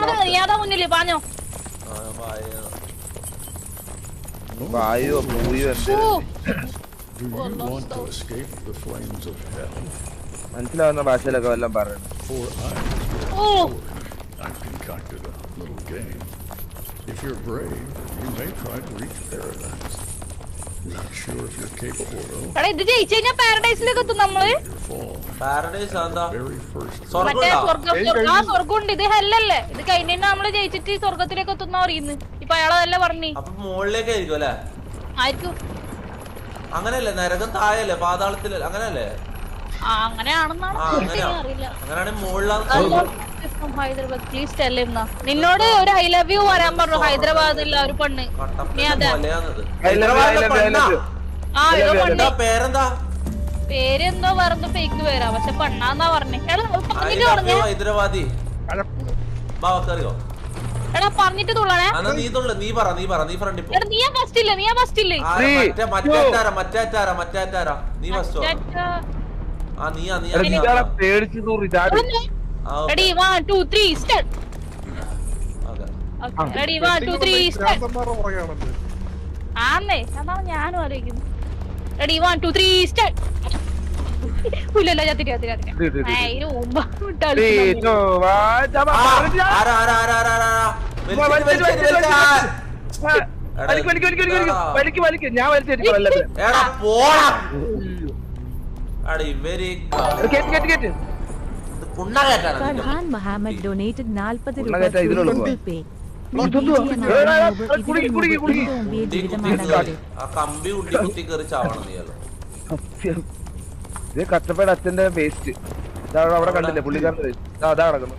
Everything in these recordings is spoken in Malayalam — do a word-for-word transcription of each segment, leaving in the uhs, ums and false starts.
ഒന്നാമത് നീയാതാ മുന്നില് പാഞ്ഞോ. വായോ മൂയോ മനസ്സിലാവുന്ന ഭാഷയിലൊക്കെ വല്ലതും പറയണം. I've concocted a little game. If you're brave, you may try to reach paradise. Not sure if you're capable though. എടാ ഇത് ജയിച്ചു കഴിഞ്ഞാ പാരഡൈസിലേക്ക് എത്തും നമ്മള്. പാരഡൈസ് എന്താ? മറ്റേ സ്വർഗ്ഗം. ആ സ്വർഗ്ഗം ഉണ്ട്. ഇത് ഹെല്ലല്ലേ? ഇത് കഴിഞ്ഞ നമ്മള് ജയിച്ചിട്ട് സ്വർഗ്ഗത്തിലേക്ക് എത്തുന്ന പറയുന്നു. ഇപ്പൊ അയാളതല്ലേ പറഞ്ഞു. അപ്പൊ മുകളിലേക്ക് ആയിരിക്കും അല്ലേ? ആയിരിക്കും. അങ്ങനെയല്ലേ? നരകം താഴെയല്ലേ? പാതാളത്തിലല്ലേ? അങ്ങനെയല്ലേ? അങ്ങനെയാണെന്നാണ് അറിയില്ല. അങ്ങനെയാണെങ്കിൽ മുകളിലാണ്. ഹൈദരാബാദ് പ്ലീസ് ടെല്ലിരുന്ന നിന്നോട് ഒരു ഐ ലവ് യു വരാൻ പറഞ്ഞു ഹൈദരാബാദില്ല ഒരു പെണ്ണ്. നീ അതെ പേരെന്താ? പേരെന്തോ വേറെന്തോ ഫേക്ക് പേരാ പക്ഷെ പെണ്ണാന്നാ പറഞ്ഞേ. ഹൈദരാബാദി അറിയോ? എടാ പറഞ്ഞിട്ട് തുള്ളണേ. നീ തുള്ള നീ പറ നീ പറ നീ ഫ്രണ്ട് എടാ നീ ഫസ്റ്റ് ഇല്ല നീ ഫസ്റ്റ് ഇല്ലേ? മറ്റേറ്റാരാ മറ്റേറ്റാരാ മറ്റേറ്റാരാ നീ ഫസ്റ്റ്. ആ നീയാ നീയാ പേടിച്ചു Ready, one, two, three, start. Okay. Ready, one, two, three, start. ആന്നേ അതാണ് ഞാനും ആലോചിക്കുന്നത്. Ready, one, two, three, start. ഇല്ലല്ല ചത്തിട്ട് ചത്തിട്ട് ചത്തിട്ട് അതിന് മുമ്പ് ഞാൻ വലിച്ചെടുക്കും. Farhan Mohammed donated forty rupees to Google Pay. കഷ്ടപ്പാട് അച്ഛന്റെ വേസ്റ്റ് അവിടെ കണ്ടില്ലേ പുള്ളിക്കാരന്റെ വേസ്റ്റ് അതാ കിടക്കുന്നു.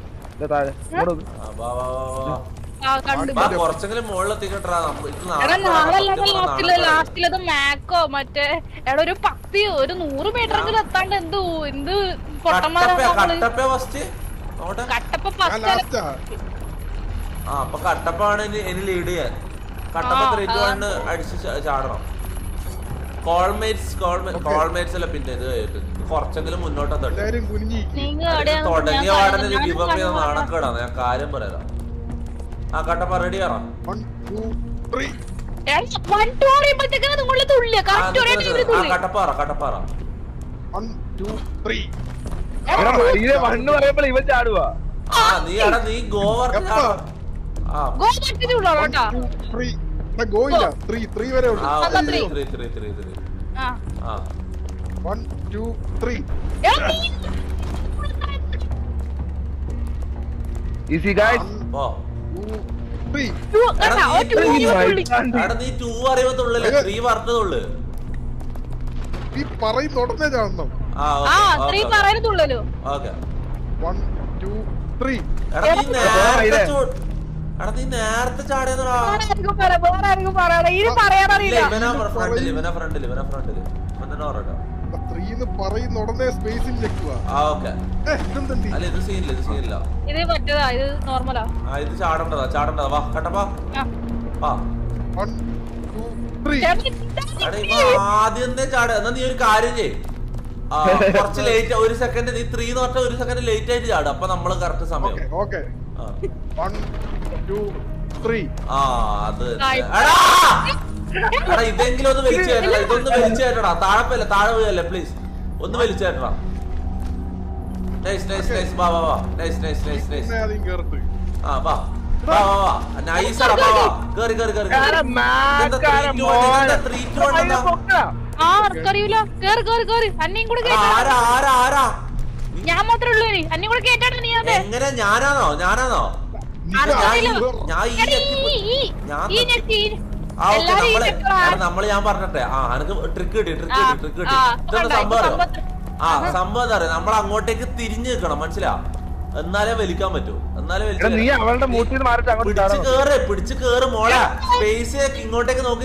ലാസ്റ്റിലത് മാക്കോ മറ്റേ എടാ ഒരു പത്തി ഒരു നൂറ് മീറ്ററെങ്കിലും എത്താണ്ട് എന്ത് എന്ത് പൊട്ടന്മാരാ കട്ടപ്പാണ് ഇനി ലീഡ് ചെയ്യാൻ. കട്ടപ്പ ത്രീ ടു വൺ അടിച്ച് ചാടണം. കോൾമേറ്റ്സ് കോൾമേറ്റ്സ് അല്ല പിന്നെ ഇത് കുറച്ചെങ്കിലും മുന്നോട്ട് തുടങ്ങിയ പാടനെ ഗിവ് അപ്പ് ചെയ്ത നാണക്കേടാണ്. ഞാൻ കാര്യം പറയാം. ആ കട്ടപ്പ റെഡി ആറാം. കട്ടപ്പാറ കട്ടപ്പാറ ഇവൻ ചാടുവാ. ആ നീ എടാ നീ ഗോവർ ഈസി ഗൈസ്. നീ ടൂ അറിയത്തുള്ളൂ ത്രീ പറഞ്ഞതുള്ളു. നീ നേരത്തെ ചാടിയതാ. ഇത് ചാടണ്ടതാ ചാടണ്ടതാ. വാ കട്ടപ്പാ ആദ്യം ചാടുക. എന്നാ നീ ഒരു കാര്യം ചെയ്യ്. കുറച്ച് ലേറ്റ് ഒരു സെക്കൻഡ് നീ ത്രീ എന്ന് പറഞ്ഞാൽ ഒരു സെക്കൻഡ് ലേറ്റ് ആയിട്ട് ചാടും. അപ്പൊ നമ്മള് കറക്റ്റ് സമയം. ആ അത് എടാ ഇതെങ്കിലും ഒന്ന് വലിച്ചു കയറ്റടാ. ഇതൊന്ന് വലിച്ചു കയറ്റടാ. താഴെപ്പല്ല താഴെ വീഴല്ലേ പ്ലീസ്. ഒന്ന് വലിച്ചു കയറ്റടാ. Nice nice nice. വാ വാ വാ. Nice nice nice nice. ആ വാ വാ വാ വാ. നൈസ് ആടാ. വാ വാ. കേറി കേറി കേറി. എങ്ങനെ ഞാനാണോ ഞാനാണോ നമ്മള് ഞാൻ പറഞ്ഞെ. ആ എനക്ക് ട്രിക്ക് കിട്ടി ട്രിക്ക് കിട്ടി ട്രിക്ക് കിട്ടി. ഇതെന്താ സംഭവം? ആ സംഭവം എന്താ പറയാ, നമ്മൾ അങ്ങോട്ടേക്ക് തിരിഞ്ഞു നിൽക്കണം, മനസ്സിലാ? എന്നാലേ വലിക്കാൻ പറ്റൂ. എന്നാലേ പിടിച്ച് കേറ് പിടിച്ച് കേറ് മോളെ. സ്പേസ് ഇങ്ങോട്ടേക്ക് നോക്കി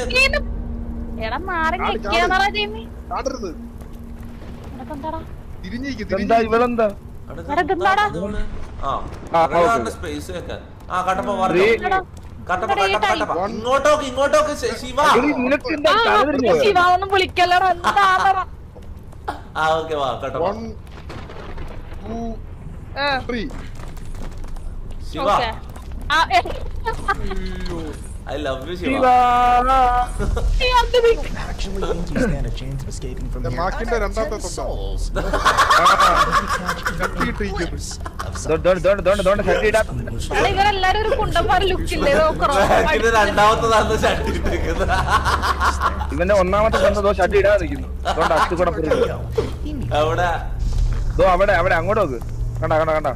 സ്പേസ് വെക്കാൻ. ആ കട്ടപ്പ കട്ടപ്പ കട്ടപ്പ കട്ടപ്പ ഇങ്ങോട്ടോക്ക് ഇങ്ങോട്ടോക്ക് ശിവ. ശിവ ഒന്നും വിളിക്കല്ലടാ. ആ ഓക്കെ വാ കട്ടപ്പ. ശിവ ഓക്കേ. ആ, ഏ, I love you Shiva. Shiva. ഈ അത് നീ- Actually, don't you stand a chance of escaping from here? മാക്കിന്റെ I've got രണ്ടാമത്തെ ten തൊണ്ട. souls. Don't don't don't don't don't ശക്തിയിടാ. എടാ, ഇവരെല്ലാരും ഒരു കുണ്ടന്മാർ ലുക്കില്ലേ ഇത് രണ്ടാമത്തതാണ് ഷർട്ട് ഇട്ടിരിക്കുന്നത്. ഇവന്റെ ഒന്നാമത്തെ തന്ന ദോ ഷട്ടി ഇടാതെ നിൽക്കുന്നു. അതുകൊണ്ട് അച്ചു കൂടെ പുറകിൽ. അവിടെ ദോ അവിടെ അവിടെ അങ്ങോട്ട് നോക്ക്. കണ്ട കണ്ട കണ്ട.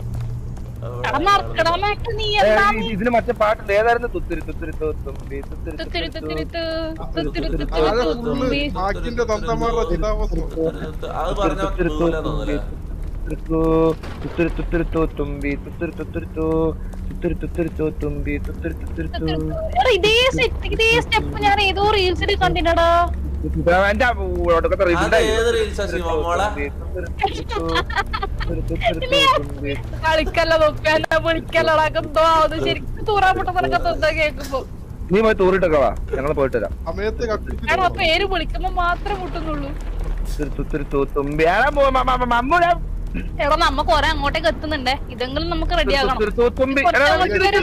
നീ ഏ, എന്താ ഇത് ഇതിന് മറ്റേ പാട്ടുണ്ട് ഏതായിരുന്നു? തുത്തിരി തുത്തിരി തുമ്പി തുത്തിരി തുത്തിരി തുത്തിരി തുത്തിരി തു, തുത്തിരി തുത്തിരി താഴെ തു, ഫുള്ള് തുമ്പി. മാക്കിന്റെ തന്തമാരുടെ ചിതാവസ്ഥ. അത് പറഞ്ഞ തോന്നൂല. തുത്തിരി തുത്തിരി തു തുമ്പി തുത്തിരി തുത്തിരി തു തുത്തിരി തുത്തിരി തു തുമ്പി തുത്തിരി തുത്തിരി തു. എടാ, ഇതേ സെറ്റ് ഇതേ സ്റ്റെപ്പ് ഞാൻ ഏതോ റീൽസിൽ കണ്ടിനടാ. എന്റെ ഒടുക്കത്തെ അത് റീലുണ്ടായി. ഏത് റീൽസാ ശിവ മോളെ? കളിക്കല്ല നോക്കാല്ല വിളിക്കല്ലടാ എന്തോ അത് ശരിക്കും തൂറാൻ പൊട്ടുന്നതൊക്കെ എന്താ കേൾക്കുമ്പോ. നീ പോയി തൂറിട്ടൊക്കെ വാ, ഞങ്ങൾ പോയിട്ട് വരാം. സമയത്ത് കത്തിച്ച് എടാ, പേര് വിളിക്കുമ്പോ മാത്രമേ മുട്ടുന്നുള്ളൂ. തുത്തിരി തുത്തിരി തു തുമ്പി ആരാ പോ മമ്മൂല എടാ, നമ്മ കൊറേ അങ്ങോട്ടേക്ക് എത്തുന്നുണ്ടേ. ഇതെങ്കിലും നമുക്ക് റെഡി ആകണം. തുത്തിരി തു തുമ്പി. കുറച്ച് അങ്ങോട്ട് വരും.